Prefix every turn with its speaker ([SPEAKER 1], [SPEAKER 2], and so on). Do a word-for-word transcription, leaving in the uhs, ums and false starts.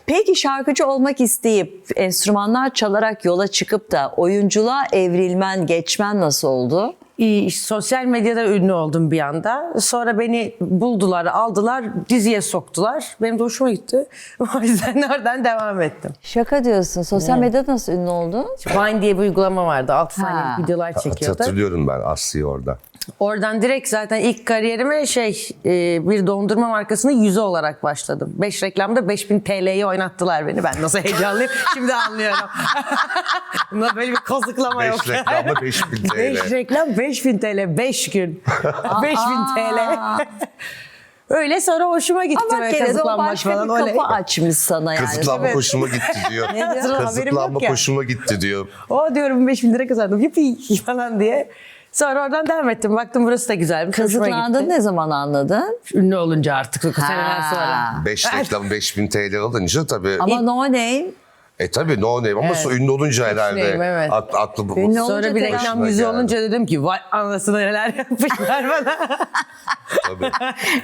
[SPEAKER 1] Peki şarkıcı olmak isteyip enstrümanlar çalarak yola çıkıp da oyunculuğa evrilmen, geçmen nasıl oldu?
[SPEAKER 2] İyi, sosyal medyada ünlü oldum bir anda. Sonra beni buldular, aldılar, diziye soktular. Benim de hoşuma gitti. O yüzden oradan devam ettim.
[SPEAKER 1] Şaka diyorsun. Sosyal medyada nasıl ünlü oldun?
[SPEAKER 2] Vine diye bir uygulama vardı. altı
[SPEAKER 1] Ha.
[SPEAKER 2] saniyelik videolar çekiyordu.
[SPEAKER 3] Hatırlıyorum ben Aslı'yı orada.
[SPEAKER 2] Oradan direkt zaten ilk kariyerime şey e, bir dondurma markasının yüzü olarak başladım. beş reklamda beş bin T L'ye oynattılar beni. Ben nasıl heyecanlıyım şimdi anlıyorum. Bunda böyle bir kazıklama yok.
[SPEAKER 3] beş reklamda beş bin T L.
[SPEAKER 2] beş reklam beş bin T L beş gün. beş bin T L. Öyle sonra hoşuma gitti
[SPEAKER 1] Ama
[SPEAKER 2] böyle
[SPEAKER 1] gene de o
[SPEAKER 2] kazıklanmak
[SPEAKER 1] başka
[SPEAKER 2] falan.
[SPEAKER 1] bir
[SPEAKER 2] Oley.
[SPEAKER 1] kapı açmış sana yani.
[SPEAKER 3] Kazıklanma
[SPEAKER 2] Evet.
[SPEAKER 3] hoşuma gitti diyor.
[SPEAKER 2] diyor? Haberim
[SPEAKER 3] Kazıklanma
[SPEAKER 2] yok ya.
[SPEAKER 3] hoşuma gitti diyor.
[SPEAKER 2] O diyorum beş bin lira kazandım. Yuppi falan diye. Sonra oradan devam ettim. Baktım burası da güzelmiş. hoşuma
[SPEAKER 1] Kazıklandın
[SPEAKER 2] gitti.
[SPEAKER 1] ne zaman anladın?
[SPEAKER 2] Ünlü olunca artık seneler
[SPEAKER 1] Ha.
[SPEAKER 2] sonra.
[SPEAKER 3] beş reklam beş bin T L alınca tabii.
[SPEAKER 1] Ama no name.
[SPEAKER 3] E tabii no name ama
[SPEAKER 2] Evet.
[SPEAKER 3] ünlü olunca herhalde.
[SPEAKER 2] name, evet.
[SPEAKER 3] At, atlı bu.
[SPEAKER 1] Ünlü olunca
[SPEAKER 2] Sonra bir
[SPEAKER 1] tabii.
[SPEAKER 2] reklam
[SPEAKER 3] Başına
[SPEAKER 2] yüzü
[SPEAKER 3] geldi.
[SPEAKER 2] olunca dedim ki vay anasını neler yapmışlar bana.
[SPEAKER 3] Tabii.